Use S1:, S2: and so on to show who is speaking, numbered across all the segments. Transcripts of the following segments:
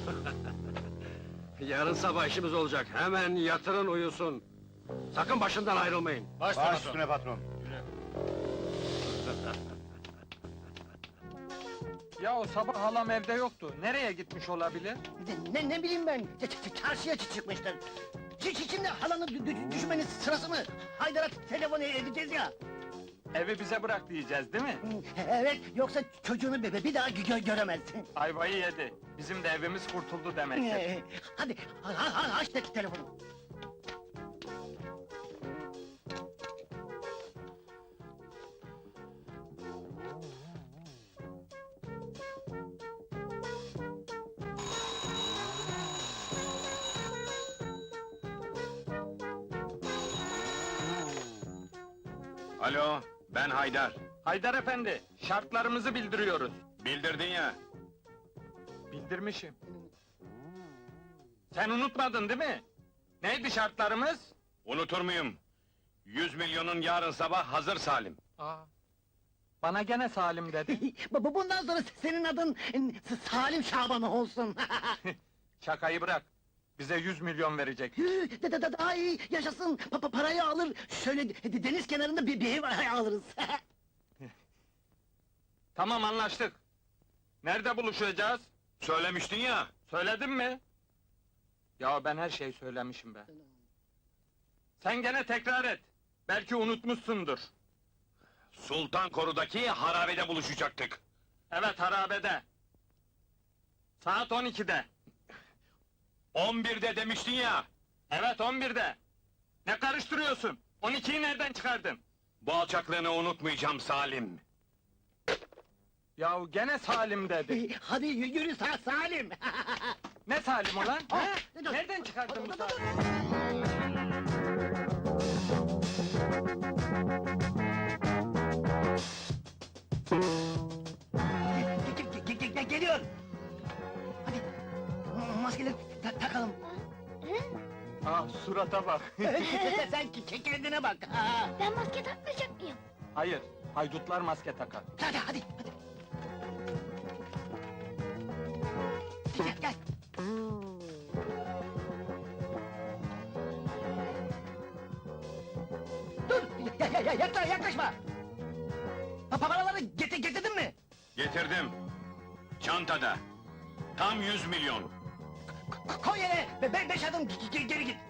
S1: Yarın sabah işimiz olacak, hemen yatırın uyusun. Sakın başından ayrılmayın.
S2: Baş üstüne patron.
S3: Ya o sabah halam evde yoktu. Nereye gitmiş olabilir?
S4: Ne bileyim ben, çarşıya çıkmıştır. Şimdi halanı düşmenin sırası mı? Haydar'a telefon edeceğiz ya.
S3: Evi bize bırak diyeceğiz değil mi?
S4: Evet, yoksa çocuğunu bir daha göremezsin.
S3: Ayvayı yedi. Bizim de evimiz kurtuldu demektir.
S4: Hadi, aç telefonu.
S1: Alo, ben Haydar.
S3: Haydar efendi, şartlarımızı bildiriyoruz.
S1: Bildirdin ya.
S3: Bildirmişim. Sen unutmadın değil mi? Neydi şartlarımız?
S1: Unutur muyum? 100 milyonun yarın sabah hazır Salim.
S3: Aa, bana gene Salim dedi.
S4: Bundan sonra senin adın Salim Şaban olsun.
S3: Şakayı bırak. Bize 100 milyon verecek.
S4: Daha iyi, yaşasın, parayı alır, şöyle deniz kenarında bir ev alırız.
S3: Tamam anlaştık. Nerede buluşacağız?
S1: Söylemiştin ya.
S3: Söyledim mi? Ya ben her şeyi söylemişim be. Sen gene tekrar et. Belki unutmuşsundur.
S1: Sultan Koru'daki harabede buluşacaktık.
S3: Evet harabede. Saat 12'de.
S1: 11'de demiştin ya.
S3: Evet 11'de. Ne karıştırıyorsun? 12'yi nereden çıkardın?
S1: Bu alçaklığını unutmayacağım Salim.
S3: Yahu gene Salim dedi.
S4: Hadi yürü Salim!
S3: Ne Salim ulan?
S4: Ah,
S3: Ha?
S4: dur.
S3: Nereden çıkardın bu
S4: Dur, dur, dur.
S3: Salim?
S4: Geliyor! Hadi, maskeleri takalım.
S3: Ah surata bak.
S4: Sen kendine bak!
S5: Ben maske takmayacak mıyım?
S3: Hayır, haydutlar maske takar.
S4: Hadi! Gel! Dur! Yaklaşma! Paraları getirdin mi?
S1: Getirdim. Çantada. Tam 100 milyon.
S4: Koy yere! 5 adım geri git!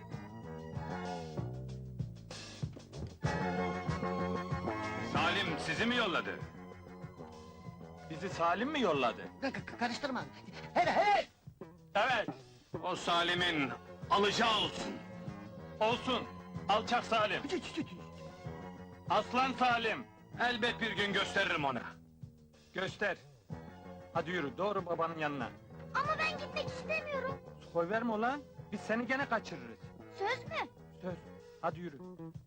S1: Salim sizi mi yolladı?
S3: Bizi Salim mi yolladı?
S4: Karıştırma! Evet!
S3: Evet,
S1: O Salim'in alacağı olsun.
S3: olsun. Alçak Salim, aslan Salim.
S1: Elbet bir gün gösteririm ona.
S3: Göster. Hadi yürü, doğru babanın yanına.
S5: Ama ben gitmek istemiyorum.
S3: Koy verme ulan, biz seni gene kaçırırız.
S5: Söz mü?
S3: Söz, hadi yürü.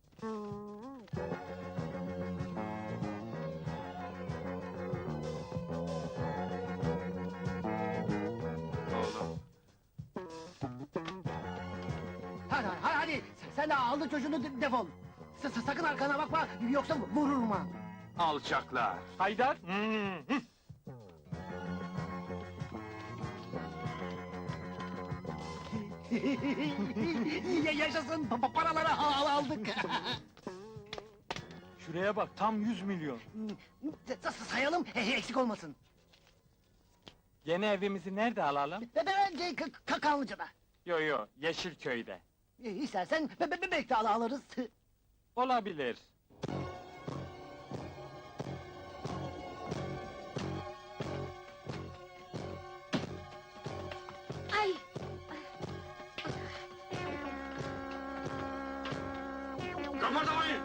S1: Oğlum.
S4: Hadi! Sen de aldı çocuğunu defol! Sakın arkana bakma, yoksa vururum ha!
S1: Alçaklar.
S3: Haydar.
S4: Yaşasın, paraları aldık!
S3: Şuraya bak, tam 100 milyon.
S4: Sayalım, eksik olmasın!
S3: Yeni evimizi nerede alalım?
S4: Bence Kanlıca'da!
S3: Yo, Yeşilköy'de.
S4: İstersen bebek de alırız!
S3: Olabilir.
S5: Ay!
S1: Kıpırdamayın!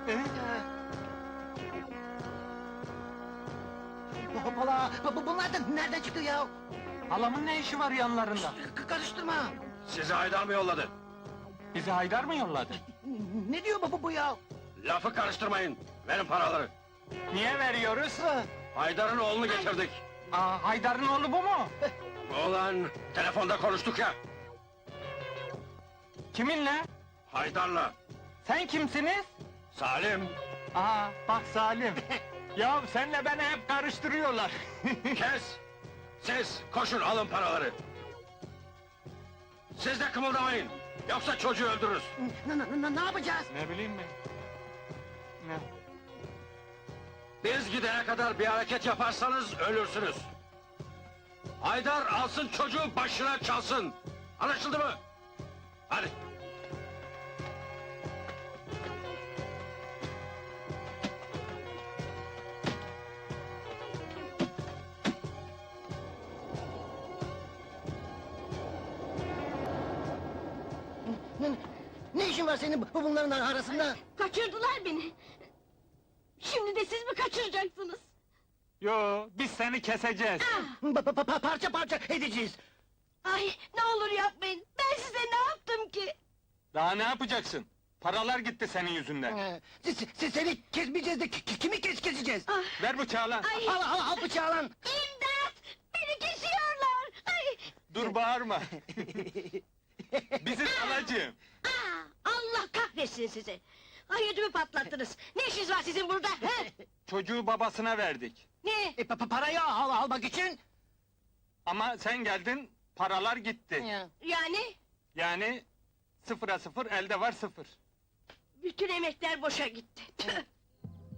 S4: Hoppala! Bunlar da nereden çıktı ya?
S3: Halamın ne işi var yanlarında?
S4: Karıştırma!
S1: Sizi Haydar mı yolladı?
S3: Bizi Haydar mı yolladı?
S4: Ne diyor bu ya?
S1: Lafı karıştırmayın. Verin paraları.
S3: Niye veriyoruz?
S1: Haydar'ın oğlunu getirdik.
S3: Aa, Haydar'ın oğlu bu mu?
S1: Oğlan, telefonda konuştuk ya.
S3: Kiminle?
S1: Haydar'la.
S3: Sen kimsiniz?
S1: Salim,
S3: Aa, bak Salim. Ya senle beni hep karıştırıyorlar.
S1: kes! Siz koşun alın paraları. Siz de kımıldamayın. Yoksa çocuğu öldürürüz.
S4: Ne yapacağız?
S3: Ne bileyim ben. Ne?
S1: Biz gidene kadar bir hareket yaparsanız ölürsünüz. Haydar alsın çocuğu başına çalsın. Anlaşıldı mı? Hadi.
S4: Ne işin var senin bunların arasında?
S2: Kaçırdılar beni. Şimdi de siz mi kaçıracaksınız?
S3: Yo, biz seni keseceğiz.
S4: Parça parça edeceğiz.
S2: Ay ne olur yapmayın. Ben size ne yaptım ki?
S3: Daha ne yapacaksın? Paralar gitti senin yüzünden.
S4: Seni kesmeyeceğiz de kimi keseceğiz?
S3: Ver bıçağı lan.
S2: Ay
S4: Al bıçağı lan!
S2: imdat! Beni kesiyorlar! Ay!
S3: Dur bağırma. Biziz anacığım.
S2: Allah kahretsin sizi! Ay ödümü patlattınız! Ne işiniz var sizin burada? He?
S3: Çocuğu babasına verdik.
S2: Ne?
S4: Parayı almak için...
S3: Ama sen geldin, paralar gitti.
S2: Yani?
S3: Yani sıfıra sıfır, elde var sıfır.
S2: Bütün emekler boşa gitti. Tüh!